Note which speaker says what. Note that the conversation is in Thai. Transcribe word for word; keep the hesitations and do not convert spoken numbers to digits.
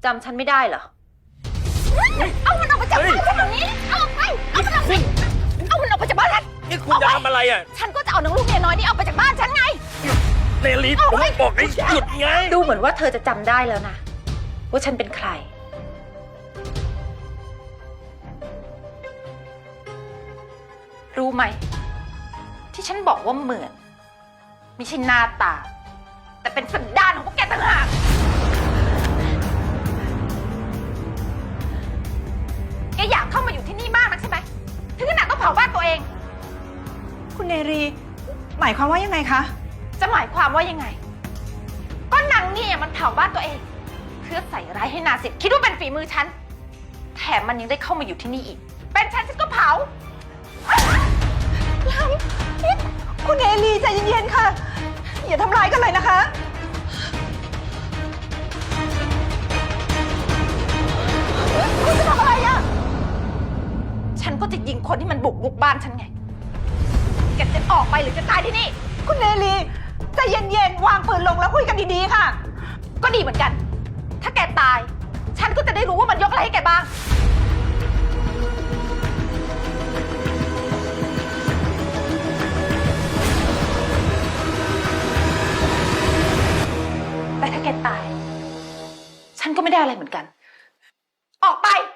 Speaker 1: จำฉันไม่ได้เหรอเอามันออกไปจากบ้านฉันแบบนี้เอาออกไปเอามันออกไปเอามันออกไปจากบ้านฉัน
Speaker 2: นี่คุณจะทำอะไรอ่ะ
Speaker 1: ฉันก็จะเอานางลูกเมียน้อยนี่ออกไปจากบ้านฉันไง
Speaker 2: เนลิผมบอกให้หยุดไง
Speaker 1: ดูเหมือนว่าเธอจะจำได้แล้วนะว่าฉันเป็นใครรู้ไหมที่ฉันบอกว่าเหมือนไม่ใช่หน้าตาแต่เป็นสันดานของพวกแกต่างหากแกอยากเข้ามาอยู่ที่นี่มากนักใช่ไหมถึงขนาดต้องเผาบ้านตัวเอง
Speaker 3: คุณเนรีหมายความว่ายังไงคะ
Speaker 1: จะหมายความว่ายังไงก็นางนี่มันเผาบ้านตัวเองเพื่อใส่ร้ายให้นาสิทธิ์คิดว่าเป็นฝีมือฉันแถมมันยังได้เข้ามาอยู่ที่นี่อีกเป็นฉันฉันก็เผา
Speaker 3: คุณเนรีใจเย็นๆค่ะอย่าทำร้ายกันเลยนะคะคุณจะทำอะไรอ่ะ
Speaker 1: ฉันก็จะยิงคนที่มันบุกรุกบ้านฉันไงแกจะออกไปหรือจะตายที่นี่
Speaker 3: คุณเนรีใจเย็นๆวางปืนลงแล้วคุยกันดีๆค่ะ
Speaker 1: ก็ดีเหมือนกันถ้าแกตายฉันก็จะได้รู้ว่ามันยกอะไรให้แกบ้างแต่ถ้าแกตายฉันก็ไม่ได้อะไรเหมือนกันออกไป